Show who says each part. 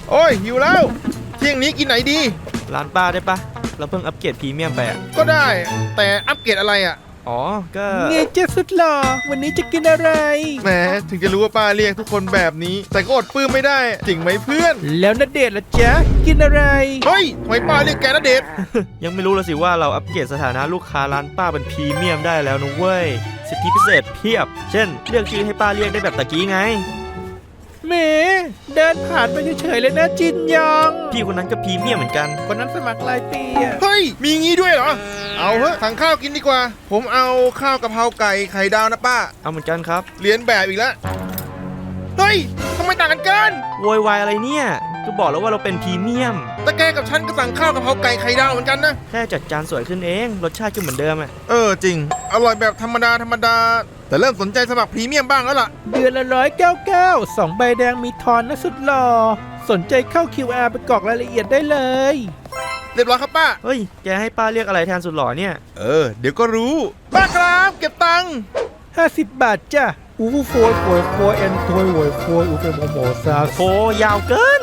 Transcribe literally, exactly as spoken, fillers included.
Speaker 1: โอ้ยหิวแล้วเที่ยงนี้กินไหนดี
Speaker 2: ร้านป้าได้ปะเราเพิ่งอัปเกรดพรีเมียมไปอ่ะ
Speaker 1: ก็ได้แต่อัปเกรดอะไรอ่ะ
Speaker 2: อ๋อก็
Speaker 3: เงยเจ้าสุดหล่อวันนี้จะกินอะไร
Speaker 1: แหมถึงจะรู้ว่าป้าเรียกทุกคนแบบนี้แต่ก็อดปลื้มไม่ได้จริงไหมเพื่อน
Speaker 3: แล้วณเดชน์ล่ะจ๊ะกินอะไร
Speaker 1: เฮ้ยทำไมป้าเรียกแกณเดชน์
Speaker 2: ยังไม่รู้เลยสิว่าเราอัปเกรดสถานะลูกค้าร้านป้าเป็นพรีเมียมได้แล้วนะเว้ยสิทธิพิเศษเพียบเช่นเลือกชื่อให้ป้าเรียกได้แบบตะกี้ไง
Speaker 3: เมเดินผ่านไปเฉยๆเลยนะจินยอง
Speaker 2: พี่คนนั้นก็พรีเมียมเหมือนกัน
Speaker 3: คนนั้นสมัครรายปีอะ
Speaker 1: เฮ้ยมีงี้ด้วยเหรอเอาเถอะสั่งข้าวกินดีกว่าผมเอาข้าวกะเพราไก่ไข่ดาวนะป้า
Speaker 2: เอาเหมือนกันครับ
Speaker 1: เรียนแบบอีกแล้วเฮ้ยทำไมต่างกันกัน
Speaker 2: โวยวายอะไรเนี่ยก็บอกแล้วว่าเราเป็นพรีเมียม
Speaker 1: แต่แกกับฉันก็สั่งข้าวกะเพราไก่ไข่ดาวเหมือนกันนะ
Speaker 2: แค่จัดจานสวยขึ้นเองรสชาติก็เหมือนเดิมอ่ะ
Speaker 1: เออจริงอร่อยแบบธรรมดาธรรมดาแต่เริ่มสนใจสมัครพรีเมียมบ้างแล้วล่ะ
Speaker 3: เดือนละร้อยเก้าเก้าสองใบแดงมีทอนนะสุดหล่อสนใจเข้า คิว อาร์ ไปกรอกรายละเอียดได้เลย
Speaker 1: เรียบร้อยครับป้า
Speaker 2: เฮ้ยแกให้ป้าเรียกอะไรแทนสุดหล่อเนี่ย
Speaker 1: เออเดี๋ยวก็รู้ป้าครับเก็บตังค์
Speaker 3: ห้าสิบบาทจ้ะอูฟูโฟยโฟยโฟยเอ็นโฟยโวยโฟยอูเฟโมโมซา
Speaker 2: โหยาวเกิน